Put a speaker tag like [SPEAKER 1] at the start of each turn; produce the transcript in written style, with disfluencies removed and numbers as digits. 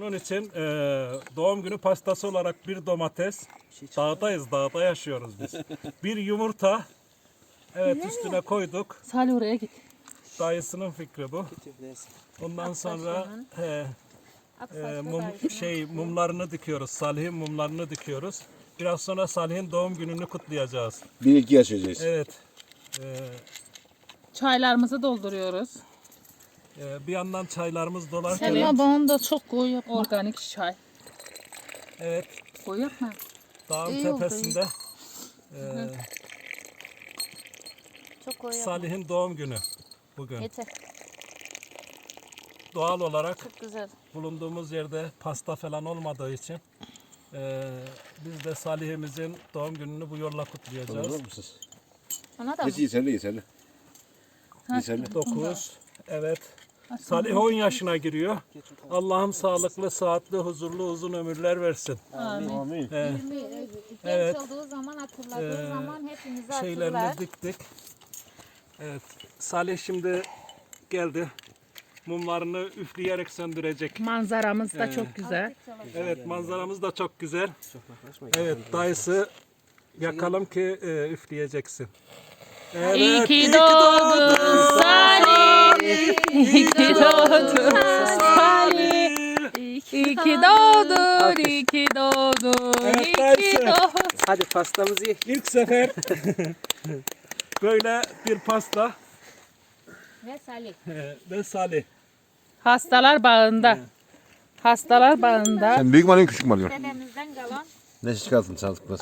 [SPEAKER 1] Onun için doğum günü pastası olarak bir domates, dağdayız, dağda yaşıyoruz biz. Bir yumurta, evet üstüne koyduk.
[SPEAKER 2] Salih oraya git.
[SPEAKER 1] Dayısının fikri bu. Ondan sonra mumlarını dikiyoruz. Salih'in mumlarını dikiyoruz. Biraz sonra Salih'in doğum gününü kutlayacağız.
[SPEAKER 3] 1-2 yaşayacağız.
[SPEAKER 1] Evet.
[SPEAKER 2] Çaylarımızı dolduruyoruz.
[SPEAKER 1] Bir yandan çaylarımız dolarken
[SPEAKER 2] Evet.
[SPEAKER 4] Bana da çok koyu yapma.
[SPEAKER 2] Organik çay.
[SPEAKER 1] evet
[SPEAKER 2] Koy yapma.
[SPEAKER 1] dağın
[SPEAKER 4] İyi oldu,
[SPEAKER 1] tepesinde
[SPEAKER 4] Çok koyu yapma.
[SPEAKER 1] Salih'in doğum günü bugün.
[SPEAKER 4] Yeter.
[SPEAKER 1] Doğal olarak
[SPEAKER 4] Çok güzel.
[SPEAKER 1] bulunduğumuz yerde pasta falan olmadığı için biz de Salih'imizin doğum gününü bu yolla kutlayacağız.
[SPEAKER 3] Olur musunuz?
[SPEAKER 4] Ona da mı?
[SPEAKER 3] Geç iyi sen de iyi sen de. İyi sen de.
[SPEAKER 1] 9, evet. Salih 10 yaşına giriyor. Allah'ım sağlıklı, sıhhatli, huzurlu, uzun ömürler versin.
[SPEAKER 3] Amin.
[SPEAKER 1] Evet.
[SPEAKER 4] Genç olduğu zaman, hatırladığı zaman hepimizi
[SPEAKER 1] Şeylerini
[SPEAKER 4] hatırlar.
[SPEAKER 1] diktik. Evet. Salih şimdi geldi. Mumlarını üfleyerek söndürecek.
[SPEAKER 2] Manzaramız da çok güzel.
[SPEAKER 1] Evet, manzaramız da çok güzel. Evet, dayısı yakalım ki üfleyeceksin. Evet,
[SPEAKER 2] İyi ki doğdun Salih. İyi ki doğdun Salih. İyi ki doğdun, iyi ki doğdun,
[SPEAKER 1] Evet,
[SPEAKER 2] iyi ki
[SPEAKER 1] dayısı.
[SPEAKER 2] doğdun.
[SPEAKER 5] Hadi pastamızı ye.
[SPEAKER 1] İlk sefer böyle bir pasta
[SPEAKER 4] Ve Salih.
[SPEAKER 1] ve Salih.
[SPEAKER 2] Hastalar bağında. Hastalar bağında.
[SPEAKER 3] Sen büyük mü alıyorsun küçük mü alıyorsun?
[SPEAKER 4] Dedemizden kalan
[SPEAKER 3] Ne çıkarsın sağlıklı.